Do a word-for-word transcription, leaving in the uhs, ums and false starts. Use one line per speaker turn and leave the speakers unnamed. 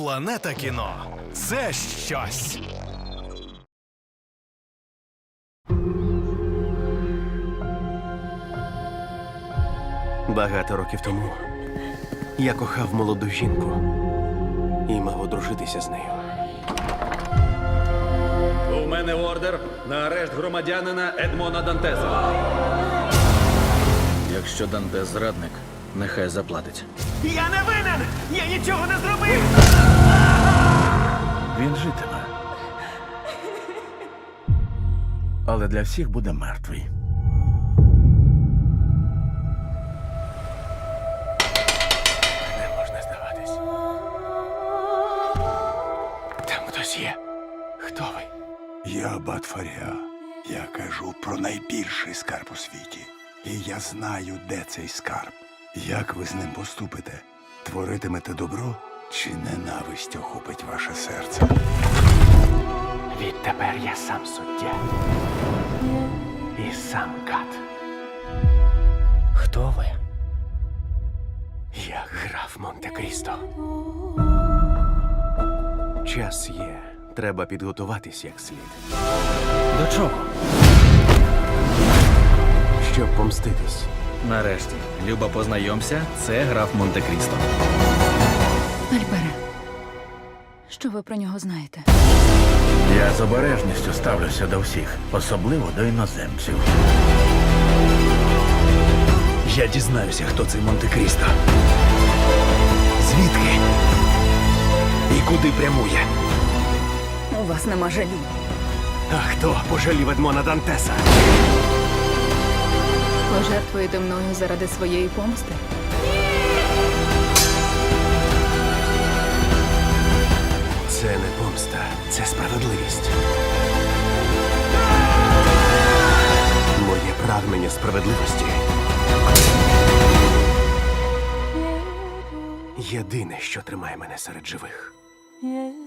Планета кіно – це щось.
Багато років тому я кохав молоду жінку і мав одружитися з нею.
У мене ордер на арешт громадянина Едмона Дантеса. Якщо Дантес зрадник, нехай заплатить.
Я не винен! Я нічого не зробив!
Він житиме. Але для всіх буде мертвий.
Не можна здаватись. Там хтось є. Хто ви?
Я Батфаря. Я кажу про найбільший скарб у світі. І я знаю, де цей скарб. Як ви з ним поступите? Творитимете добро чи ненависть охопить ваше серце?
Відтепер я сам суддя. І сам кат. Хто ви? Я граф Монте-Крісто. Час є. Треба підготуватись як слід.
До чого?
Щоб помститись.
Нарешті, Люба, познайомся, це граф Монте-Крісто.
Альбере, що ви про нього знаєте?
Я з обережністю ставлюся до всіх, особливо до іноземців.
Я дізнаюся, хто цей Монте-Крісто. Звідки? І куди прямує?
У вас нема жалю.
А хто пожалів Едмона Дантеса?
Пожертвуєте мною заради своєї помсти?
Це не помста, це справедливість. Моє прагнення справедливості єдине, що тримає мене серед живих.